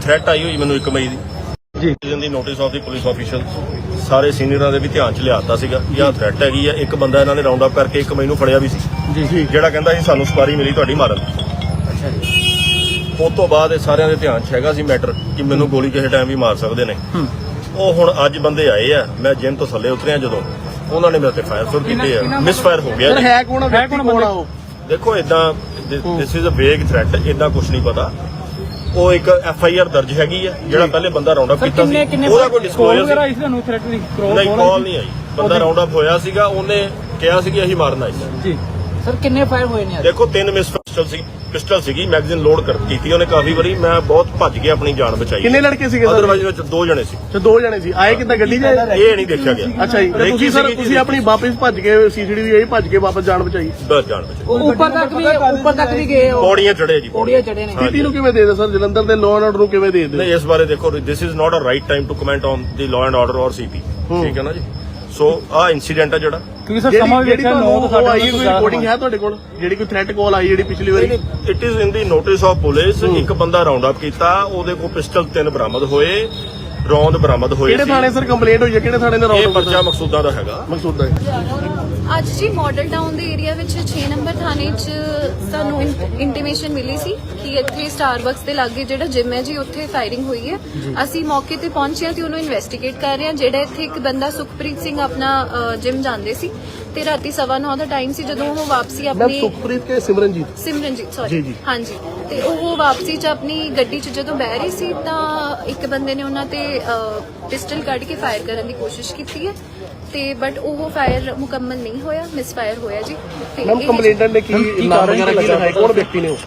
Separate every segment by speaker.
Speaker 1: Threat ਆਈ ਹੋਈ ਮੈਨੂੰ 1 ਮਈ ਦੀ ਜੀ notice of the police official ਸਾਰੇ ਸੀਨੀਅਰਾਂ ਦੇ ਵੀ ਧਿਆਨ ਚ ਲਿਆਤਾ ਸੀਗਾ ਜਾਂ ਥ੍ਰੈਟ ਹੈਗੀ ਆ। ਇੱਕ ਬੰਦਾ ਇਹਨਾਂ ਨੇ ਰਾਉਂਡ ਅਪ ਕਰਕੇ 1 ਮਈ ਨੂੰ ਫੜਿਆ ਵੀ ਸੀ ਜੀ, ਜਿਹੜਾ ਕਹਿੰਦਾ ਸੀ ਸਾਨੂੰ ਸਪਾਰੀ ਮਿਲੀ ਤੁਹਾਡੀ ਮਾਰਨ। ਅੱਛਾ ਜੀ। ਉਸ ਤੋਂ ਬਾਅਦ ਇਹ ਸਾਰਿਆਂ ਦੇ ਧਿਆਨ ਚ ਹੈਗਾ ਸੀ ਮੈਟਰ ਕਿ ਮੈਨੂੰ ਗੋਲੀ ਕਿਸੇ ਟਾਈਮ ਵੀ ਮਾਰ ਸਕਦੇ ਨੇ। ਉਹ ਹੁਣ ਅੱਜ ਬੰਦੇ ਆਏ ਆ, ਮੈਂ ਜਿਮ ਤੋਂ ਥੱਲੇ ਉਤਰਿਆ ਜਦੋਂ ਉਹਨਾਂ ਨੇ ਮੇਰੇ ਤੇ ਫਾਇਰ ਸ਼ੁਰੂ ਕੀਤੇ ਆ, ਮਿਸ ਫਾਇਰ ਹੋ ਗਿਆ।
Speaker 2: ਹੈ ਕੌਣ ਉਹ?
Speaker 1: ਦੇਖੋ ਇਦਾਂ ਦਿਸ ਇਜ਼ ਅ ਵੇਗ ਥ੍ਰੈਟ, ਇਦਾਂ ਕੁਝ ਨਹੀਂ ਪਤਾ। ਉਹ ਇੱਕ FIR ਦਰਜ ਹੈਗੀ ਆ, ਜਿਹੜਾ ਪਹਿਲੇ ਬੰਦਾ ਰਾਉਂਡ ਅਪ ਕੀਤਾ ਸੀ ਉਹਦਾ ਕੋਈ ਡਿਸਕਲੋਜ਼ਰ ਨਹੀਂ, ਕਾਲ ਨਹੀਂ ਆਈ। ਬੰਦਾ ਰਾਉਂਡ ਅਪ ਹੋਇਆ ਸੀਗਾ, ਉਹਨੇ ਕਿਹਾ ਸੀ ਕਿ ਅਸੀਂ ਮਾਰਨ ਆਏ ਸੀ।
Speaker 3: ਸਰ ਕਿੰਨੇ ਫਾਇਰ ਹੋਏ ਨੇ?
Speaker 1: ਦੇਖੋ 3 ਮਿਸ ਪਿਸਟਲ ਸੀਗੀ, ਮੈਗਜ਼ੀਨ ਲੋਡ ਕੀਤੀ ਉਹਨੇ ਕਾਫੀ ਵਾਰੀ। ਮੈਂ ਬਹੁਤ ਭੱਜ ਗਿਆ, ਆਪਣੀ ਜਾਨ ਬਚਾਈ।
Speaker 2: ਕਿੰਨੇ ਲੜਕੇ ਸੀਗੇ?
Speaker 1: ਅਦਰਵਾਈਜ਼ ਵਿੱਚ 2 ਜਣੇ ਸੀ।
Speaker 2: 2 ਜਣੇ ਸੀ। ਆਏ ਕਿੱਦਾਂ ਗੱਡੀ 'ਚ?
Speaker 1: ਇਹ ਨਹੀਂ ਦੇਖਿਆ ਗਿਆ।
Speaker 2: ਅੱਛਾ ਜੀ, ਤੁਸੀਂ ਆਪਣੀ ਵਾਪਸ ਭੱਜ ਕੇ CCTV ਆਈ, ਭੱਜ ਕੇ ਵਾਪਸ ਜਾਨ ਬਚਾਈ?
Speaker 1: ਬਸ ਜਾਨ ਬਚਾਈ।
Speaker 3: ਉੱਪਰ ਤੱਕ ਵੀ ਗਏ ਹੋ?
Speaker 1: ਪੌੜੀਆਂ ਚੜੇ ਜੀ,
Speaker 3: ਪੌੜੀਆਂ ਚੜੇ ਨੇ।
Speaker 2: ਸਥਿਤੀ ਨੂੰ ਕਿਵੇਂ ਦੇਖਦੇ ਸਰ? ਜਲੰਧਰ ਦੇ ਲਾਅ ਐਂਡ ਆਰਡਰ ਨੂੰ ਕਿਵੇਂ ਦੇਖਦੇ?
Speaker 1: ਨਹੀਂ, ਇਸ ਬਾਰੇ ਦੇਖੋ, this is not a right time to comment on the law and order ਔਰ CP, ਠੀਕ ਹੈ ਨਾ ਜੀ। ਸੋ ਆਹ ਇਨਸੀਡੈਂਟ ਆ ਜਿਹੜਾ,
Speaker 3: ਕਿਉਂਕਿ ਸਰ ਸਮਾਂ ਵੀ ਵੇਖਿਆ 9 ਤੋਂ
Speaker 2: 9:30 ਕੋਈ ਰਿਕਾਰਡਿੰਗ ਹੈ ਤੁਹਾਡੇ ਕੋਲ ਜਿਹੜੀ ਕੋਈ ਥ੍ਰੈਟ ਕਾਲ ਆਈ ਜਿਹੜੀ ਪਿਛਲੀ ਵਾਰੀ?
Speaker 1: It is in the notice of police. ਇੱਕ ਬੰਦਾ ਰਾਉਂਡ ਅਪ ਕੀਤਾ, ਉਹਦੇ ਕੋਲ ਪਿਸਟਲ 3 ਬਰਾਮਦ ਹੋਏ, ਰੌਂਦ ਬਰਾਮਦ ਹੋਏ।
Speaker 2: ਕਿਹੜੇ ਥਾਣੇ ਸਰ ਕੰਪਲੇਂਟ ਹੋਈ ਹੈ? ਕਿਹੜੇ ਥਾਣੇ ਦਾ ਰੌਂਦ?
Speaker 1: ਇਹ ਪਰਚਾ ਮਕਸੂਦਾਂ ਦਾ ਹੈਗਾ।
Speaker 2: ਮਕਸੂਦਾਂ
Speaker 4: ਅੱਜ ਜੀ ਮਾਡਲ ਟਾਊਨ ਦੇ ਏਰੀਆ ਵਿੱਚ 6 ਨੰਬਰ ਥਾਣੇ 'ਚ ਸਾਨੂੰ ਇੰਟੀਮੇਸ਼ਨ ਮਿਲੀ ਸੀ ਕਿ ਇੱਥੇ ਸਟਾਰਬਕਸ ਦੇ ਲਾਗੇ ਜਿਹੜਾ ਜਿਮ ਹੈ ਜੀ, ਉੱਥੇ ਫਾਇਰਿੰਗ ਹੋਈ ਹੈ। ਅਸੀਂ ਮੌਕੇ ਤੇ ਪਹੁੰਚੇ ਹਾਂ ਤੇ ਉਹਨੂੰ ਇਨਵੈਸਟੀਗੇਟ ਕਰ ਰਹੇ ਹਾਂ। ਜਿਹੜਾ ਇੱਥੇ ਇੱਕ ਬੰਦਾ ਸੁਖਪ੍ਰੀਤ ਸਿੰਘ ਆਪਣਾ ਜਿਮ ਜਾਂਦੇ ਸੀ ਤੇ ਰਾਤੀ 9:15 ਦਾ ਟਾਈਮ ਸੀ ਜਦੋਂ ਉਹ ਵਾਪਸੀ ਆਪਣੀ
Speaker 2: ਸੁਖਪ੍ਰੀਤ ਕੇ ਸਿਮਰਨਜੀਤ
Speaker 4: ਸੌਰੀ ਹਾਂਜੀ, ਤੇ ਉਹ ਵਾਪਸੀ 'ਚ ਆਪਣੀ ਗੱਡੀ 'ਚ ਜਦੋਂ ਬਹਿ ਰਹੀ ਸੀ ਤਾਂ ਇੱਕ ਬੰਦੇ ਨੇ ਉਹਨਾਂ ਤੇ ਪਿਸਟਲ ਕੱਢ ਕੇ ਫਾਇਰ ਕਰਨ ਦੀ ਕੋਸ਼ਿਸ਼ ਕੀਤੀ ਹੈ ਤੇ ਬਟ ਉਹ ਫਾਇਰ ਮੁਕੰਮਲ ਨਹੀਂ ਹੋਇਆ, ਮਿਸ ਫਾਇਰ ਹੋਇਆ ਜੀ। ਤੇ
Speaker 2: ਮੈਮ ਕੰਪਲੇਂਟਰ ਨੇ ਕੀ ਨਾਮ ਵਗੈਰਾ ਕੀ ਲਿਖਾਇਆ? ਕੌਣ ਵਿਅਕਤੀ ਨੇ ਉਹ?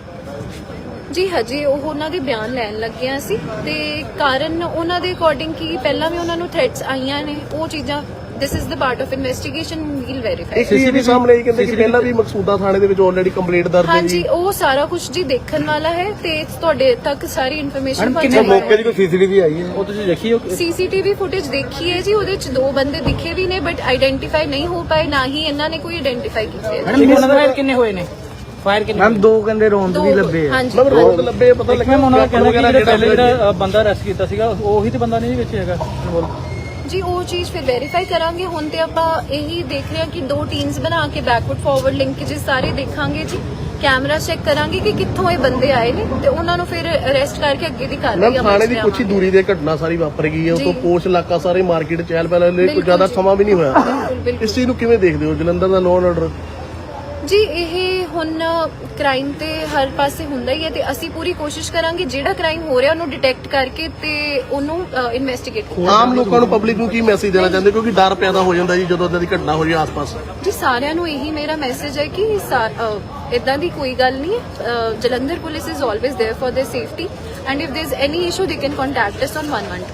Speaker 4: ਜੀ ਹਜੇ ਉਹ ਉਹਨਾਂ ਦੇ ਬਿਆਨ ਲੈਣ ਲੱਗਿਆ ਸੀ ਤੇ ਕਾਰਨ ਉਹਨਾਂ ਦੇ ਅਕੋਰਡਿੰਗ ਕੀ ਪਹਿਲਾਂ ਵੀ ਉਹਨਾਂ ਨੂੰ ਥ੍ਰੈਟਸ ਆਈਆਂ ਨੇ, ਉਹ ਚੀਜ਼ਾਂ this is the part of investigation, we'll verify.
Speaker 2: ਇੱਕ ਚੀਜ਼ ਵੀ ਸਾਹਮਣੇ ਆਈ, ਕਹਿੰਦੇ ਕਿ ਪਹਿਲਾਂ ਵੀ ਮਕਸੂਦਾ ਥਾਣੇ ਦੇ ਵਿੱਚ ਆਲਰੇਡੀ ਕੰਪਲੇਂਟ ਦਰਜ ਹੈ।
Speaker 4: ਹਾਂਜੀ, ਉਹ ਸਾਰਾ ਕੁਝ ਜੀ ਦੇਖਣ ਵਾਲਾ ਹੈ ਤੇ ਤੁਹਾਡੇ ਤੱਕ ਸਾਰੀ ਇਨਫੋਰਮੇਸ਼ਨ ਪਹੁੰਚਾਈ ਹੈ।
Speaker 2: ਮੌਕੇ ਦੀ ਕੋਈ CCTV ਆਈ ਹੈ?
Speaker 3: ਉਹ ਤੁਸੀਂ ਦੇਖੀ?
Speaker 4: CCTV ਫੁਟੇਜ ਦੇਖੀ ਹੈ ਜੀ, ਉਹਦੇ 'ਚ 2 ਬੰਦੇ ਦਿਖੇ ਵੀ ਨੇ ਬਟ ਆਈਡੈਂਟੀਫਾਈ ਨਹੀਂ ਹੋ ਪਾਏ, ਨਾ ਹੀ ਇਹਨਾਂ ਨੇ ਕੋਈ ਆਈਡੈਂਟੀਫਾਈ ਕੀਤੇ।
Speaker 3: ਮੈਡਮ ਫਾਇਰ ਕਿੰਨੇ ਹੋਏ ਨੇ? ਫਾਇਰ ਕਿੰਨੇ? ਮੈਮ 2 ਕਹਿੰਦੇ ਰੌਂਦ ਵੀ ਲੱਭੇ ਆ।
Speaker 4: ਹਾਂਜੀ,
Speaker 2: ਮੈਮ ਰੌਂਦ ਲੱਭੇ, ਪਤਾ ਲੱਗਿਆ
Speaker 3: ਮੈਮ ਉਹਨਾਂ ਨੇ ਕਹਿੰਦਾ ਕਿ ਜਿਹੜਾ ਬੰਦਾ ਅਰੈਸਟ ਕੀਤਾ ਸੀਗਾ ਉਹੀ ਤੇ ਬੰਦਾ ਨਹੀਂ ਵਿੱਚ ਹੈਗਾ
Speaker 4: ਜੀ। ਉਹ ਚੀਜ਼ ਫਿਰ ਵੈਰੀਫਾਈ ਕਰਾਂਗੇ। ਹੁਣ ਤੇ ਆਪਾਂ ਇਹੀ ਦੇਖ ਰਹੇ ਹਾਂ ਕਿ 2 ਟੀਮਸ ਬਣਾ ਕੇ ਬੈਕਵਰਡ ਫਾਰਵਰਡ ਲਿੰਕੇजेस ਸਾਰੇ ਦੇਖਾਂਗੇ ਜੀ, ਕੈਮਰਾ ਚੈੱਕ ਕਰਾਂਗੇ ਕਿ ਕਿੱਥੋਂ ਇਹ ਬੰਦੇ ਆਏ ਨੇ ਤੇ ਉਹਨਾਂ ਨੂੰ ਫਿਰ ਅਰੈਸਟ ਕਰਕੇ ਅੱਗੇ ਦੀ ਕਾਰਵਾਈ
Speaker 2: ਮੈਮ ਥਾਣੇ ਦੀ ਕੁਛ ਹੀ ਦੂਰੀ ਦੇ ਘਟਨਾ ਸਾਰੀ ਵਾਪਰ ਗਈ ਹੈ। ਉਹ ਤੋਂ ਪੋਸ਼ ਇਲਾਕਾ ਸਾਰੇ ਮਾਰਕੀਟ ਚਹਿਲ ਪਹਿਲ ਲਈ ਕੋਈ ਜ਼ਿਆਦਾ ਸਮਾਂ ਵੀ ਨਹੀਂ ਹੋਇਆ। ਇਸ ਚੀਜ਼ ਨੂੰ ਕਿਵੇਂ ਦੇਖਦੇ ਹੋ? ਜਲੰਧਰ ਦਾ ਲਾਅ ਐਂਡ ਆਰਡਰ
Speaker 4: ਜੀ ਇਹ ਹੁਣ ਕ੍ਰਾਈਮ ਤੇ ਹਰ ਪਾਸੇ ਹੁੰਦਾ ਹੀ ਹੈ ਤੇ ਅਸੀਂ ਪੂਰੀ ਕੋਸ਼ਿਸ਼ ਕਰਾਂਗੇ ਜਿਹੜਾ ਕ੍ਰਾਈਮ ਹੋ ਰਿਹਾ ਉਹਨੂੰ ਡਿਟੈਕਟ ਕਰਕੇ ਤੇ ਉਹਨੂੰ ਇਨਵੈਸਟੀਗੇਟ ਕਰਾਂਗੇ।
Speaker 2: ਆਮ ਲੋਕਾਂ ਨੂੰ, ਪਬਲਿਕ ਨੂੰ ਕੀ ਮੈਸੇਜ ਦੇਣਾ ਚਾਹੁੰਦੇ? ਕਿਉਂਕਿ ਡਰ ਪੈਦਾ ਹੋ ਜਾਂਦਾ ਜੀ ਜਦੋਂ ਇਦਾਂ ਦੀ ਘਟਨਾ ਹੋ ਜਾਏ ਆਸ-ਪਾਸ।
Speaker 4: ਜੀ ਸਾਰਿਆਂ ਨੂੰ ਇਹੀ ਮੇਰਾ ਮੈਸੇਜ ਹੈ ਕਿ ਇਦਾਂ ਦੀ ਕੋਈ ਗੱਲ ਨਹੀਂ ਹੈ। Jalandhar police is always there for their safety and if there is any issue they can contact us on 112।